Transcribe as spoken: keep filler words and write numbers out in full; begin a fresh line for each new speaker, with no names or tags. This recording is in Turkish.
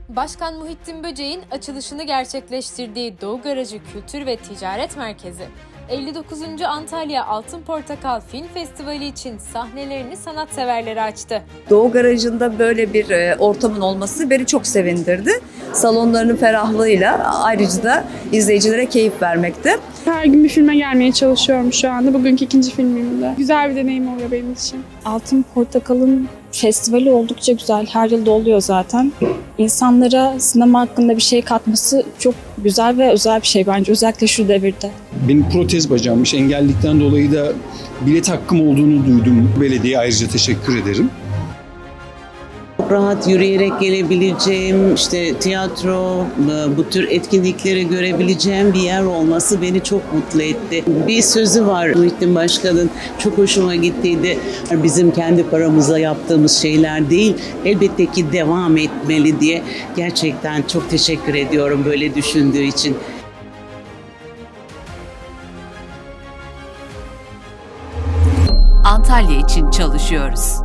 Başkan Muhittin Böceğin açılışını gerçekleştirdiği Doğu Garajı Kültür ve Ticaret Merkezi, elli dokuzuncu Antalya Altın Portakal Film Festivali için sahnelerini sanatseverlere açtı.
Doğu Garajı'nda böyle bir e, ortamın olması beni çok sevindirdi. Salonlarının ferahlığıyla ayrıca da izleyicilere keyif vermekte.
Her gün bir filme gelmeye çalışıyorum şu anda. Bugünkü ikinci filmimde. Güzel bir deneyim oluyor benim için.
Altın Portakal'ın festivali oldukça güzel. Her yılda oluyor zaten. İnsanlara sinema hakkında bir şey katması çok güzel ve özel bir şey bence. Özellikle şu devirde.
Benim protez bacağımmış. Engellilikten dolayı da bilet hakkım olduğunu duydum. Belediyeye ayrıca teşekkür ederim.
Rahat yürüyerek gelebileceğim, işte tiyatro, bu tür etkinlikleri görebileceğim bir yer olması beni çok mutlu etti. Bir sözü var Muhittin Başkan'ın, çok hoşuma gittiydi. Bizim kendi paramızla yaptığımız şeyler değil, elbette ki devam etmeli diye. Gerçekten çok teşekkür ediyorum böyle düşündüğü için.
Antalya için çalışıyoruz.